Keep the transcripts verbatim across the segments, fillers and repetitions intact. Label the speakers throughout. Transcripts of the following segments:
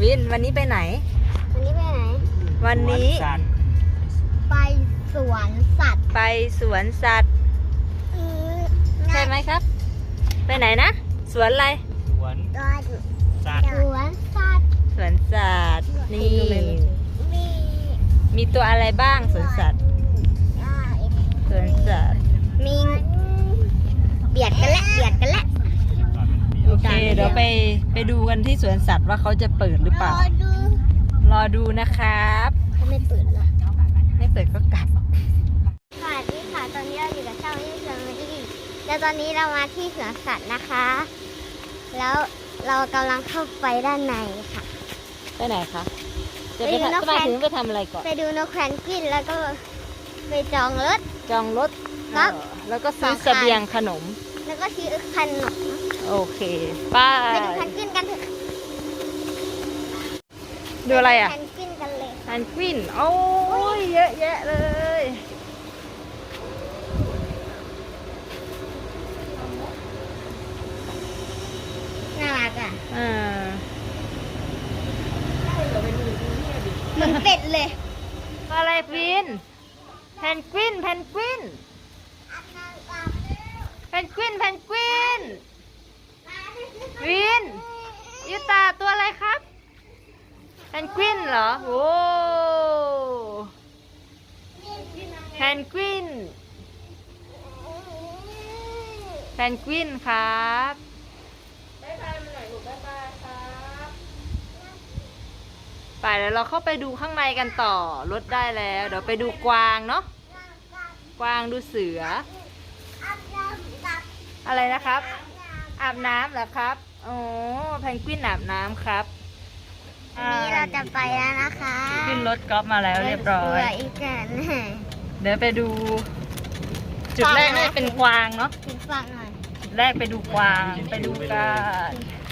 Speaker 1: วินวันนี้ไปไหน
Speaker 2: วันนี้ไปไหน
Speaker 1: วันนี้
Speaker 2: ไปสวนสัตว์
Speaker 1: ไปสวนสัตว์ใช่ไหมครับไปไหนนะสวนอะไร
Speaker 3: สวนสัตว์
Speaker 2: สวนสัตว์
Speaker 1: สวนสัตว์นี่
Speaker 2: มี
Speaker 1: มีตัวอะไรบ้างสวนสัตว์สวนสัตว์
Speaker 2: มีเบียดกันแล้วเบียดกันแล้ว
Speaker 1: โอเคเดี๋ยวไปไปดูกันที่สวนสัตว์ว่าเขาจะเปิดหรือเปล่ารอดูรอดูนะครับ
Speaker 2: ถ้าไม่เปิดล่ะ
Speaker 1: ไม่เปิดก็กลับ
Speaker 2: สวัสดีค่ะตอนนี้เราอยู่กับช่องยี่สิบนาทีแล้วตอนนี้เรามาที่สวนสัตว์นะคะแล้วเรากำลังเข้าไปด้านในค่ะ
Speaker 1: ไปไหนคะจะไปทำไปถึงไปทำอะไรก่อน
Speaker 2: ไปดูนกแพนกวินแล้วก็ไปจองรถ
Speaker 1: จองรถครับแล้วก็ซื้อเสบียงขนม
Speaker 2: แล้วก็ซื้อขนม
Speaker 1: โอเคป้า
Speaker 2: ไปดูแพนกวินกันเถอะ
Speaker 1: ดูอะไรอ่ะ
Speaker 2: แพนกวินกันเลย
Speaker 1: แพนกวินโอ้ยเยอะแยะเลย
Speaker 2: น่ารักอ่ะ
Speaker 1: อ่า
Speaker 2: เหมือนเป็ดเลย
Speaker 1: อะไรฟินแพนกวินแพนกวินแพนกวินแพนกวินวินยูตาตัวอะไรครับแพนกวินเหรอโอ้แพนกวินแพนกวินครับบ๊ายบายมาหน่อยลูกบ๊ายบายครับไปแล้วเราเข้าไปดูข้างในกันต่อรถได้แล้วเดี๋ยวไปดูกวางเนาะกวางดูเสืออะไรนะครับอาบน้ำเหรอครับโอ้แพนกวินอาบน้ำครับ
Speaker 2: นี่เราจะไปแล้วนะคะ
Speaker 1: ขึ้นรถกอล์ฟมาแล้วเรียบร้อย
Speaker 2: อีกกัน
Speaker 1: เดี๋ยวไปดูจุดแรกนี่เป็นกวางเนาะ
Speaker 2: จุดฟังหน่อย
Speaker 1: จุดแรกไปดูกวางไปดูกัน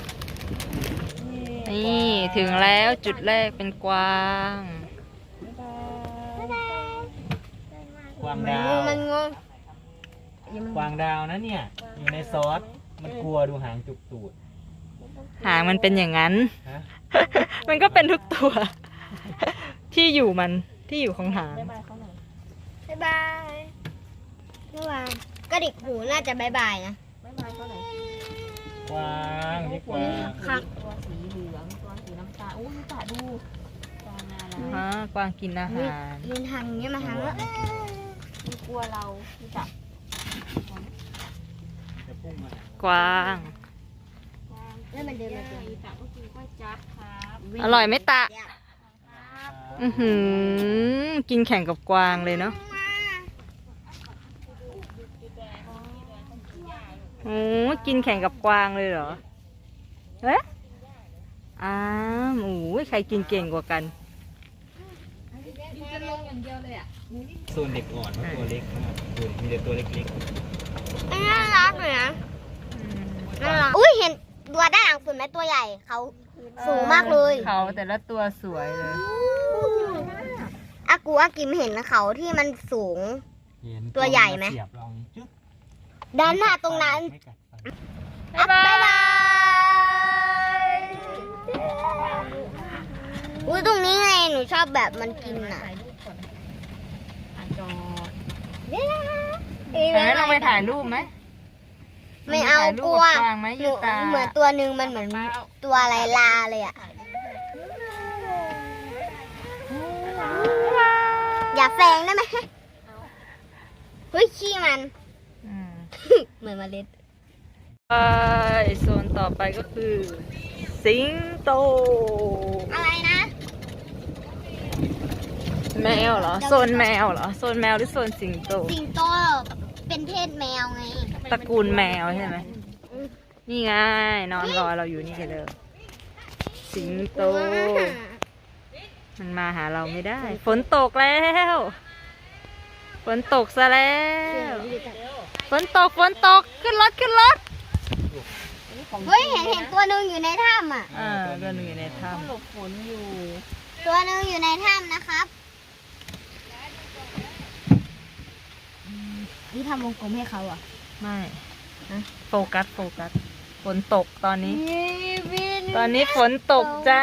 Speaker 1: นี่ถึงแล้วจุดแรกเป็นกวาง
Speaker 3: กวางดาว
Speaker 2: มันงง
Speaker 3: กวางดาวนะเนี่ยอยู่ในซอสมันกลัวดูหางจุกตูด
Speaker 1: หางมันเป็นอย่างนั้นมันก็เป็นทุกตัวที่อยู่มันที่อยู่ของหาง
Speaker 2: บ๊ายบายบ๊ายบายก็ดิกหูน่าจะบ๊ายบายนะบ๊ายบายเขาหน่อย
Speaker 3: กวางนี่กวาง
Speaker 1: ตัวสีเหลืองตัวสีน้ำตาลโอ้ยตาดูกวางนาฮะกวางกินอาหาร
Speaker 2: ยืนทางนี้มาทางแล้ว
Speaker 1: มีกลัวเราที่จับกวาง
Speaker 2: แล้วมันเดินมาเจอ
Speaker 1: อร่อยไหมตะอือหือกินแข่งกับกวางเลยเนาะโอ้กินแข่งกับกวางเลยเหรอเอ๊ะอ้าวโอ้ยใครกินเก่งกว่ากัน
Speaker 3: โซนเด็กอ่อนตัวเล็กมากมีแต่ตัวเล็ก
Speaker 2: ๆน่ารักเลยนะน่ารักอุ้ยเห็นตัวด้านหลังสุดไหมตัวใหญ่เขาสูงมากเลย
Speaker 1: เขาแต่ละตัวสวยเลย
Speaker 2: อากูอากิมเห็นเขาที่มันสูงตัวใหญ่ไหมด้านหน้าตรงนั้น
Speaker 1: บ๊ายบาย
Speaker 2: อุ้ยตรงนี้ไงหนูชอบแบบมันกินน่ะ
Speaker 1: แต่เราไปถ่ายรูปไหม
Speaker 2: ไม่เอากลัวหนูเหมือนตัวหนึ่งมันเหมือนตัวอะไรลาเลยอ่ะอย่าแฝงได้ไหมเฮ้ยขี้มันเหมือนเมล็ด
Speaker 1: ไปโซนต่อไปก็คือสิงโต
Speaker 2: อะไรนะ
Speaker 1: แมวเหรอโซนแมวเหรอโซนแมวหรือโซนสิงโต
Speaker 2: สิงโตเป็นเพศแมวไง
Speaker 1: ตระกูลแมวใช่ไหมนี่ไงนอนรอเราอยู่นี่กันเลยสิงโตมันมาหาเราไม่ได้ฝนตกแล้วฝนตกซะแล้วฝนตกฝนตกขึ้นรถขึ้นรถ
Speaker 2: เฮ้ยเห็นเห็นตัวหนึ่งอยู่ในถ้ำอ่ะ
Speaker 1: อ่าตัวหนึ่งอยู่ในถ้ำหลบฝนอยู่
Speaker 2: ตัวหนึ่งอยู่ในถ้ำนะครับนี่ทำวงกลมให้เขาอ่ะ
Speaker 1: ไม่โฟกัสโฟกัสฝนตกตอนนี้
Speaker 2: วิน
Speaker 1: ตอนนี้ฝนตกจ้า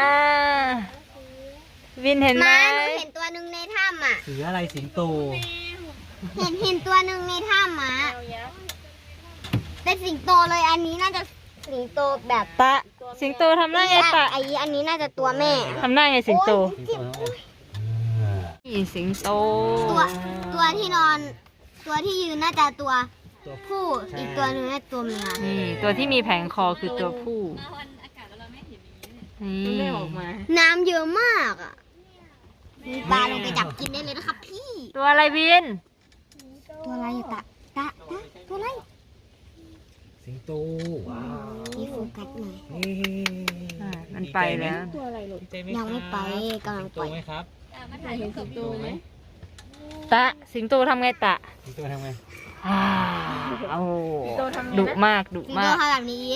Speaker 1: วินเห็นไหม
Speaker 2: มาหนูเห็นตัวหนึ่งในถ้ำอ่ะ
Speaker 3: เสืออะไรสิงโต
Speaker 2: เห็นเห็นตัวหนึ่งในถ้ำอ่ะเป็นสิงโตเลยอันนี้น่าจะสิงโตแบบ
Speaker 1: ตะ สิงโตทำหน้าไงตะ
Speaker 2: ไออันนี้น่าจะตัวแม่
Speaker 1: ทำหน้าไงสิงโต
Speaker 3: สิงโตเท่าไหร่
Speaker 1: นี่สิงโต
Speaker 2: ตัวตัวที่นอน ตัวที่ยืนน่าจะตัว
Speaker 3: ตัว
Speaker 2: ผู้อีกตัวหนึ่งน่าจะตัวเมีย
Speaker 1: นี่ตัวที่มีแผงคอคือตัวผู้นี่
Speaker 2: น้ำเยอะมากอ่ะมีปลาลงไปจับกินได้เลยนะครับพี่
Speaker 1: ตัวอะไรวิน
Speaker 2: ตัวอะไรอะตะตะตะตัวอะไร
Speaker 3: สิงโตว้าว
Speaker 2: พี่โฟกัสหน่อย
Speaker 3: นี่
Speaker 1: อ่ามันไปแล้ว
Speaker 3: ดีใจห
Speaker 2: ยังไม่ไป
Speaker 3: ครับ
Speaker 2: กำลัง
Speaker 3: สิงโต
Speaker 2: ไป
Speaker 3: ไหมครับสิงโตไหม
Speaker 1: ตะ สิงโตทำไงตะ
Speaker 3: สิงโตทำไง
Speaker 1: อ้าวโอ้ดุมากดุ
Speaker 2: สิงโต
Speaker 1: มาก
Speaker 2: ทำแบบนี้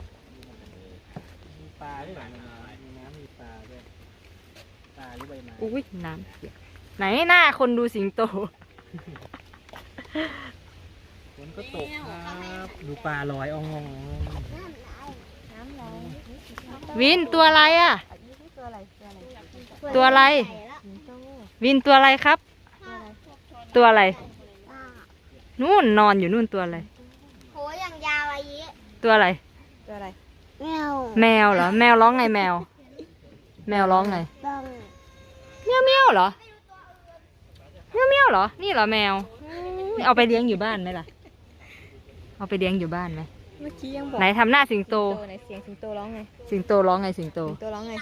Speaker 3: มีปลาด้วยเหรอมีน้ำมีปลาด้วยปลาหรือใบไม้
Speaker 1: อุ้ยน้ำเปียกไหนหน้าคนดูสิงโต
Speaker 3: ฝนก็ตกครับ ดูปลาลอยอ่องง
Speaker 1: วินตัวอะไรอ่ะ ตัวอะไร วินตัวอะไรครับ ตัวอะไร นู่นนอนอยู่นู่นตัวอะไร
Speaker 2: โหอย่างยาวอายุ
Speaker 1: ตัวอะไร
Speaker 2: แมว
Speaker 1: แมวเหรอ แมวร้องไงแมว แมวร้องไง
Speaker 2: ต้อง
Speaker 1: เมียวเมียวเหรอเมียวเมียวเหรอ นี่เหรอแมวนี่เอาไปเลี้ยงอยู่บ้านไหมล่ะ เอาไปเลี้ยงอยู่บ้านไหม
Speaker 4: เมื่อกี้ยังบอก
Speaker 1: ไหนทำหน้าสิงโต
Speaker 4: โตไหนเสียงสิงโตร้องไง
Speaker 1: สิงโตร้องไงสิงโต
Speaker 4: สิงโตร้องไง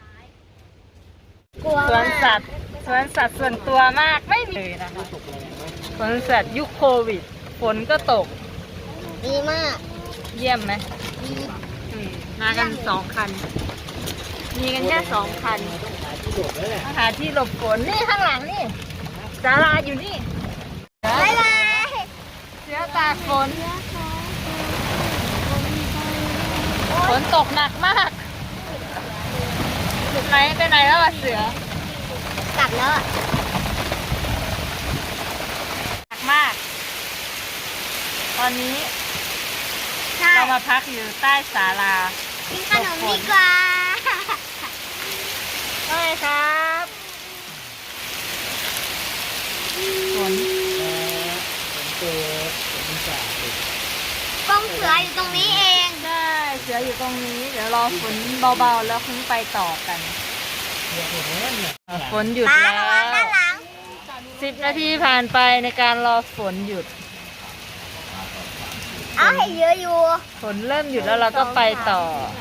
Speaker 2: กลัว
Speaker 1: สวน
Speaker 2: มาก
Speaker 1: สัตว์สวนสัตว์ส่วนตัวมากไม่มีเลยนะคะสวนสัตว์ยุคโควิด ฝนก็ตก
Speaker 2: ดีมาก
Speaker 1: เยี่ยมไหม
Speaker 2: ดี
Speaker 1: อืมมากันสองคัน มีกันแค่สองคัน
Speaker 3: ที่หลบแล้วแหละ
Speaker 1: มาหาที่หลบฝนนี่ข้างหลังนี่ศาลาอยู่นี่
Speaker 2: บ๊ายบาย
Speaker 1: เสือตากฝนฝนตกหนักมากไหนไปไหนแล้วอะเสือก
Speaker 2: ลับแล้วอะ
Speaker 1: หนักมาก ตอนนี้
Speaker 2: ใช่
Speaker 1: เรามาพักอยู่ใต้ศาลา
Speaker 2: กินขนมดีกว่า
Speaker 1: ใช่ครับฝน
Speaker 3: ฝนตกฝนจ่าตก
Speaker 2: กองเสืออยู่ตรงนี้เอง
Speaker 1: ใช่เสืออยู่ตรงนี้ เดี๋ยวรอฝนเบาๆแล้วคุ้งไปต่อกัน
Speaker 3: เดี๋ยวผมว่าเนี่ย
Speaker 1: ฝนหยุด
Speaker 2: ป้า
Speaker 1: แล้
Speaker 2: ระวังด้าน
Speaker 1: ว
Speaker 2: หลัง
Speaker 1: สิบนาทีผ่านไปในการรอฝนหยุด
Speaker 2: เอาให้เยอะอยู่
Speaker 1: ฝนเริ่มหยุดแล้วเราก็ไปต่อ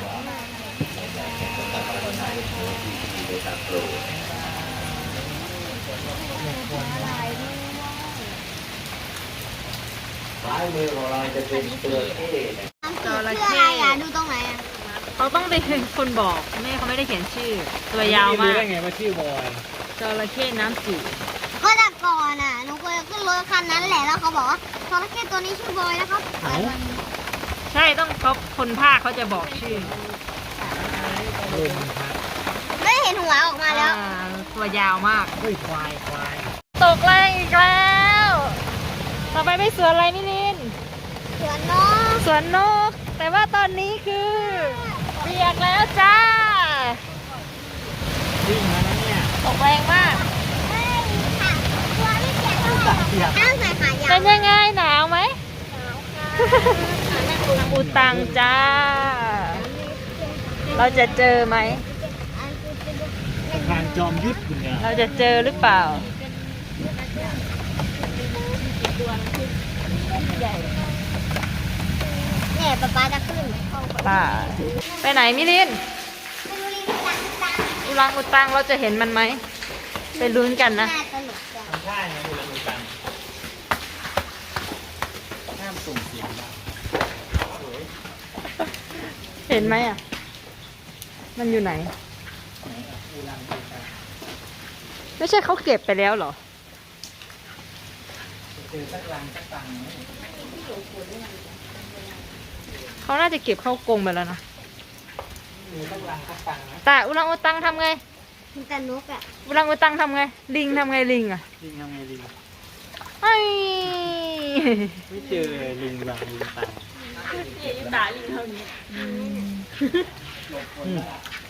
Speaker 3: ซ้ายมือของเราจะเป็นตัวเท่
Speaker 2: น้ำจืดคืออะไรอ่ะ ดูตรงไหนอ่ะ
Speaker 1: เขาต้องเป็นคนบอกแม่เขาไม่ได้เขียนชื่อ ตัวยาวมา
Speaker 3: รู้
Speaker 1: ก
Speaker 3: ได้ไงว่าชื่อบอย
Speaker 1: จระเข้น้ำจืด
Speaker 2: ก็แต่ก่อนอ่ะ หนูเคยขึ้นรถคันนั้นแหละ แล้วเขาบอกว่าจระเข้ตัวนี้ชื่อบอยนะครับ
Speaker 1: ใช่ต้องเขาคนภาคเขาจะบอกชื่อ
Speaker 3: ลมพัด
Speaker 2: ไม่เห็นหัวออกมาแล้ว
Speaker 1: อ่าตัวยาวมาก
Speaker 3: เฮ้ยควายควาย
Speaker 1: ตกแรงอีกแล้ว ต่อไปไปสวนอะไรมิลิน
Speaker 2: เสือน้อง
Speaker 1: สวนนก แต่ว่าตอนนี้คือเปียกแล้วจ้า
Speaker 3: วิ่งมาแล้วเนี่ย
Speaker 1: ตกแรงมาก
Speaker 2: ไม่ค่ะตัวไม่เปียกเท่าไหร่ต้องใส่ขายาว
Speaker 1: เป็นยังไงหนาวไหม ปูตังจ้า เราจะเจอไหม
Speaker 3: สะพานจอมยุทธคุณเนี่ย
Speaker 1: เราจะเจอหรือเปล่า
Speaker 2: เนี่ยป๊าป๊าจะขึ้น
Speaker 1: ป่า ไปไหนมิลิน
Speaker 2: ไม่รู้ลิงตังตัง
Speaker 1: อุรังอุตังเราจะเห็นมันไหม ไปลุ้นกันนะ
Speaker 2: น่าสนุกจัง
Speaker 3: ทำท่าไงดูแลดูกันห้ามส่งเสียงนะสวย
Speaker 1: เห็นไหมอ่ะ มันอยู่ไหน
Speaker 3: อูรังอูตัง
Speaker 1: ไม่ใช่เขาเก็บไปแล้วเหรอ
Speaker 3: เจอสักรังสักตังไหม
Speaker 1: เขาน่าจะเก็บเข้ากรงไปแล้วนะ
Speaker 3: เจอสักรังสักตังนะ
Speaker 1: แต่อุรังอุตังทำไง
Speaker 2: มีแต่นกอ่ะ
Speaker 1: อุรังอุตังทำไง ลิงทำไงลิงอ่ะ
Speaker 3: ลิงทำไงลิง
Speaker 1: ไอ้
Speaker 3: ไม่เจอลิงรังลิงตังอืม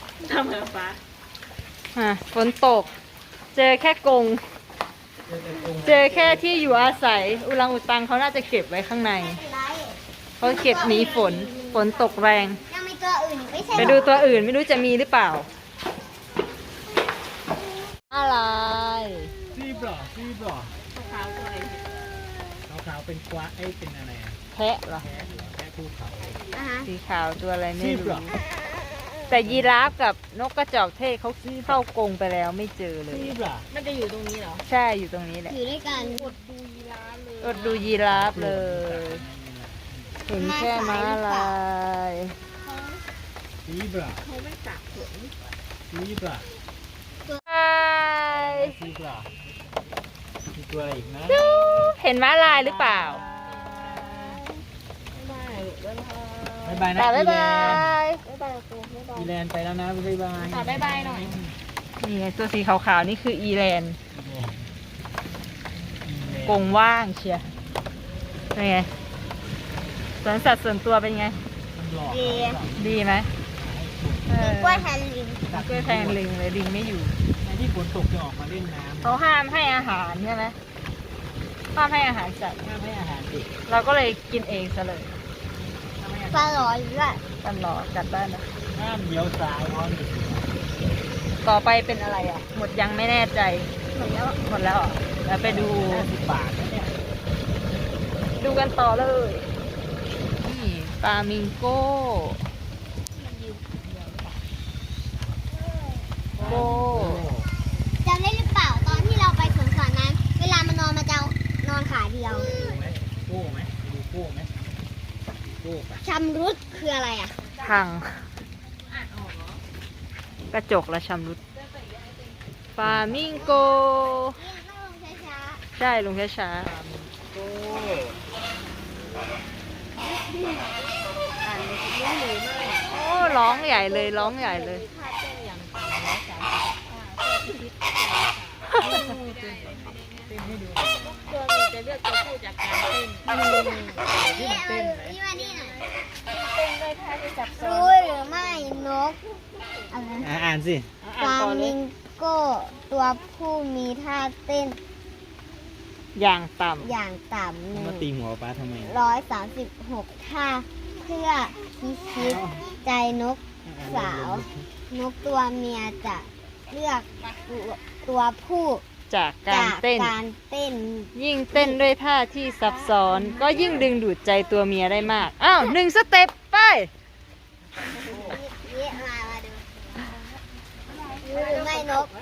Speaker 1: อ่ะฝนตก เจอแค่กรงเจอแค่ที่อยู่อาศัย อุรังอุตังเขาน่าจะเก็บไว้ข้างใน เขาเก็บหนีฝน ฝนตกแรง
Speaker 2: ยังมีตัวอื่นไม่ใช่
Speaker 1: ไป
Speaker 2: เหร
Speaker 1: ดู
Speaker 2: อ
Speaker 1: ตัวอื่นไม่รู้จะมีหรือเปล่า อะไร
Speaker 3: ซีบหรอซีบหรอขาวๆตัวอะไรขาวๆเป็นกวาไอ้ยเป็นอะไรอะ
Speaker 1: แพะเหรอ
Speaker 3: แพะเหรอแพะภูเขา
Speaker 2: อ่าฮะ
Speaker 1: สีขาวตัวอะไรไม่
Speaker 3: ซีบเหร
Speaker 1: รู้
Speaker 3: อ
Speaker 1: แต่ยีราฟกับนกกระจอกเทศเขาเข้ากรงไปแล้วไม่เจอเลย
Speaker 3: ซีบเหรอ
Speaker 4: มันจะอยู่ตรงนี้เหรอ
Speaker 1: ใช่อยู่ตรงนี้แหละ
Speaker 2: อยู่ด้วยกัน
Speaker 1: อดดูยีราฟเลย เห็นแค่ม้าลาย
Speaker 3: ซีบเหรอ
Speaker 4: เขาไม่สักสวน
Speaker 3: ซีบเหรอ
Speaker 1: ใช่
Speaker 3: ซีบเหรอมีตัวอะไรอีกนะ
Speaker 1: เห็นม้าลายหรือเปล่า
Speaker 3: บ๊ายบายนะ
Speaker 1: แต่บ๊ายบาย
Speaker 3: อีแลนด์ไปแล้วนะบ๊ายบาย
Speaker 4: ขอบ๊ายบายหน่อย
Speaker 1: นี่ไงตัวสีขาวๆนี่คืออีแลนด์
Speaker 3: อีแลนด์
Speaker 1: กรงว่างเชียร์เป็นไงสวนสัตว์ส่วนตัวเป็นไง
Speaker 3: มันหลอก
Speaker 2: ดี
Speaker 1: ดีไหมเออก
Speaker 2: ล้วยแทนลิง
Speaker 1: กล้วยแทงลิงเลยลิงไม่อยู่
Speaker 3: ในที่ฝนตกจะออกมาเล่นน้ำ
Speaker 1: เขาห้ามให้อาหารใช่ไหมห้ามให้อาหารสัตว์
Speaker 3: ห้ามให้อาหารเด็ก
Speaker 1: เราก็เลยกินเองซะเลย
Speaker 2: ปลาหลอด้วย
Speaker 1: กันหรอกัดได้นะ
Speaker 3: ห้ามเลี้ยวซ้ายเพราะมี
Speaker 1: ต่อไปเป็นอะไรอ่ะ หมดยังไม่แน่ใจ หมดแล้ว หมดแล้วเหรอแล้วไปดู
Speaker 3: ห้าสิบบาทนะเนี่ย
Speaker 1: ดูกันต่อเลย นี่ปลามิงโก้โก้
Speaker 2: จำได้หรือเปล่าตอนที่เราไปสวนสัตว์นั้น เวลามันนอนมันจะนอนขาเดียว
Speaker 3: ดูไหมโก้ไหมไปดูโก้ไหมโก้ปะ
Speaker 2: ชำรุดคืออะไรอ่ะ
Speaker 1: พัง กระจกและชำรุดปลามิงโก้
Speaker 2: ต้องลงช้า
Speaker 1: ใช่ลงช้า
Speaker 3: โก้
Speaker 1: ๆโอ้ร้องใหญ่เลยร้องใหญ่เลย
Speaker 4: ตัวหนูจะเลือกตัวผู้จากการเต้น
Speaker 2: ๆนี่เอานี่มานี่หน่อยรู้หรือไม่นกอะไรนะ
Speaker 3: อ่ะอ่านสิ
Speaker 2: ฟลามิงโก้ตัวผู้มีท่าเต้น
Speaker 1: อย่างต่
Speaker 2: อย่างต่ำหนึ่
Speaker 3: มาง ตีหัวป้าทำไม
Speaker 2: ร้อยสามสิบหกท่าเพื่อพิชิตใจนกสาว นกตัวเมียจะเลือกตัวตัวผู้
Speaker 1: ำจากการเต้น
Speaker 2: การเต้น
Speaker 1: ยิ่งเต้นด้วยท่าที่ซับซ้อน ก็ยิ่งดึงดูดใจตัวเมียได้มาก อ้าวหนึ่งสเต็ปไป
Speaker 2: นี่มามาดูรู้หรือไม่นก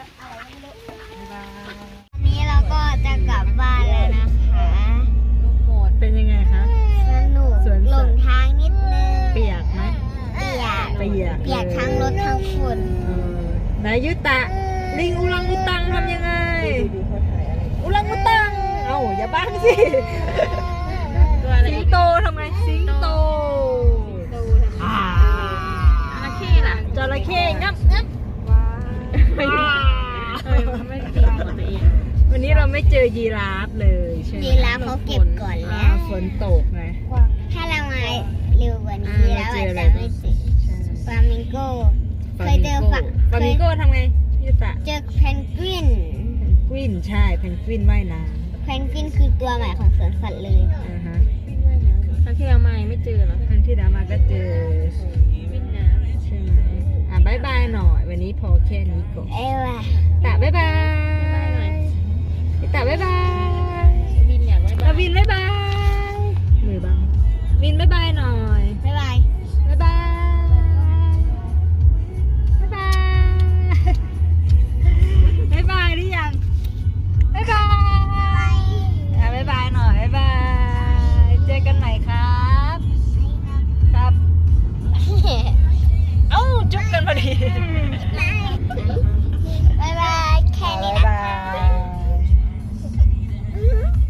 Speaker 2: วันนี้เราก็จะกลับบ้านแล้วนะคะ
Speaker 1: เป็นยังไงคะ
Speaker 2: สนุก
Speaker 1: สวนสัตว์
Speaker 2: หลงทางนิดนึง
Speaker 1: เปียกไหม
Speaker 2: เปียก
Speaker 1: เปียก
Speaker 2: เปียกทั้งรถทั้งฝุ่น
Speaker 1: เออไหนยุตะ ลิงอุลังอุตังทำยังไง อุลังอุตัง เอ้าอย่าบ้างสิ สิงโตทำไง สิงโตอ่า
Speaker 4: จระเข้ล่ะ
Speaker 1: จระเข้งับงับ
Speaker 4: ไม่ดีเออไม่ดีของตัวเอง
Speaker 1: วันนี้เราไม่เจอยีราฟเลยใช่ไหม
Speaker 2: ยีราฟเขาเก็บก่อน
Speaker 1: อ่า
Speaker 2: แล้ว
Speaker 1: ฝนตกไง
Speaker 2: ถ้าเรามาเร็วกว่านี้
Speaker 1: อ่า
Speaker 2: แล้ว
Speaker 1: เจ
Speaker 2: อา
Speaker 1: อ
Speaker 2: จ
Speaker 1: อะไร
Speaker 2: จะไม่เจอฟลามิงโก้ เคยเจอฝัก
Speaker 1: ฟลามิงโก้ทำไงยุตะ
Speaker 2: เจอเพนกวิน
Speaker 1: เพนกวินใช่เพนกวินว่ายน้
Speaker 2: เพนกวินคือตัวใหม่ของสวนสัตว์เลย
Speaker 1: ำอ่าฮะ
Speaker 4: ครั้งที่เรามายังไม่เจอเหรอ
Speaker 1: ครั้งที่แล้วมาก็เจอ
Speaker 4: วิ่งน้
Speaker 1: ใช่ไหมอ่ะบายบายหน่อย วันนี้พอแค่นี้ก่อน
Speaker 2: เอ้ว่ะ
Speaker 1: ตะบายบายตะบายบาย
Speaker 4: ำวินอยากไว้บ้า
Speaker 1: เอา
Speaker 4: ง
Speaker 1: วินบายบายมือบังวินบายบายหน่อย